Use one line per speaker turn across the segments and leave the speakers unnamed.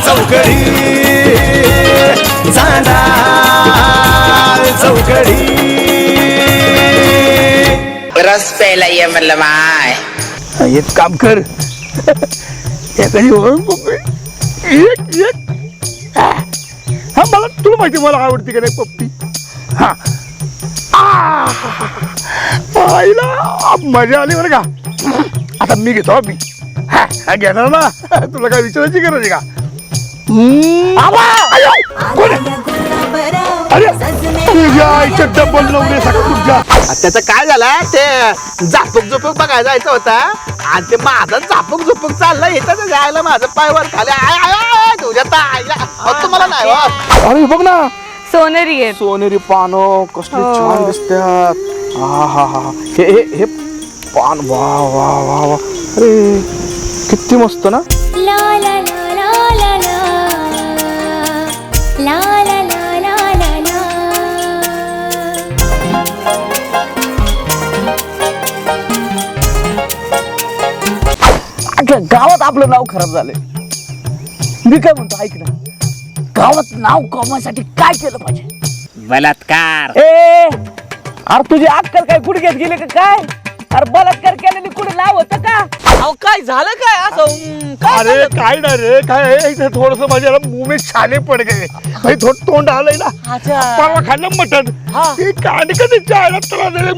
चौकडी चांदाळ चौकडी
रस प्यायला ये म्हणलं माय.
एक काम कर एखादी हा मला तुला माहिती मला आवडते का नाही पप्पी. हा आईला मजा आली बरं का. आता मी घेतो मी घेणार ना तुला काय विचारायची गरज आहे का. अरे तुझ्या आईच्या डबल नवरे तुझ्या.
त्याचं काय झालं ते झापक झुपक बघायला जायचं होता आणि ते माझं झापक झुपक चाललं येतं जायला माझं पायवर खाली आय आय आय तुझ्या ताईला तुम्हाला नाही हो.
अरे बघ ना
सोनेरी आहे.
सोनेरी पानं कसली छान दिसतात. हा हा हा हे हे हे पान वा वा वा वा अरे किती मस्त ना.
ला ला ला ला ला ला ला ला ला ला ला ला.
अख्ख्या गावात आपलं नाव खराब झालंय. मी काय म्हणतो ऐक ना, गावात नाव कमवायसाठी काय केलं पाहिजे.
बलात्कार.
अरे तुझी अक्कल काय गुडघ्यात गेले का काय. अरे बलात्कार केलेली कुठे नाव होतं का.
अहो काय झालं काय असं
अरे काय ना रे काय थोडस माझ्या मुंबईत छाले पड गए भाई थोडं तोंड आलंय ना. परवा खाल्लं मटन ते कांड कधी चायला तुला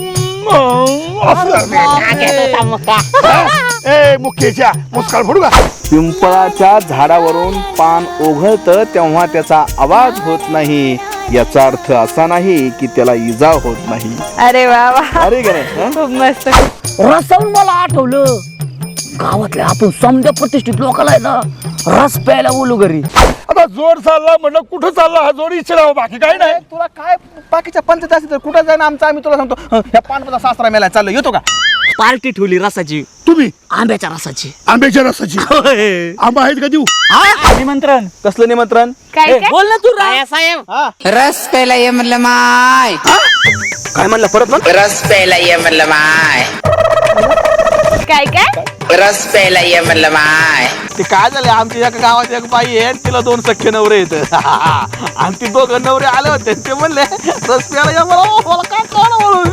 मुख्यच्या मुस्काळ फोडू का. पिंपळाच्या झाडावरून पान ओघळतं तेव्हा त्याचा आवाज होत नाही याचा अर्थ असा नाही की त्याला इजा होत नाही.
अरे वा वा,
अरे का नाही.
खूप मस्त.
रसावून मला आठवलं गावातल्या आपण समजा प्रतिष्ठित लोकांना आहे ना रस प्यायला बोलू घरी.
आता जोर चालला म्हणलं कुठं चालला हा जोर इच्छा बाकी काय नाही.
तुला काय बाकीच्या पंचायत असेल तर कुठं जाईन आमचं आम्ही तुला सांगतो ह्या पानपदा सासरा मेला चाललो येतो का.
पार्टी ठेवली रसाची.
तुम्ही
आंब्याच्या रसाची.
आंब्याच्या रसाची आंबा आहेत का देऊ.
निमंत्रण कसलं निमंत्रण
काय काय
बोल ना तू
साहेब रस प्यायला ये म्हणलं माय.
काय म्हणलं परत म्हण.
रस प्यायला ये म्हणलं माय.
काय काय
रस प्यायला ये म्हणलं माय.
ते काय झालं आमच्या एका गावात एक बाई आहे तिला 2 सख्खे नवरे येत आणि ती 2 नवरे आले होते ते म्हणले रस प्यायला या मला काय कळलं म्हणून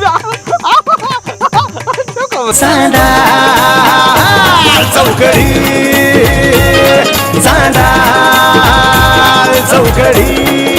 चौकडी चांदाळ चौकडी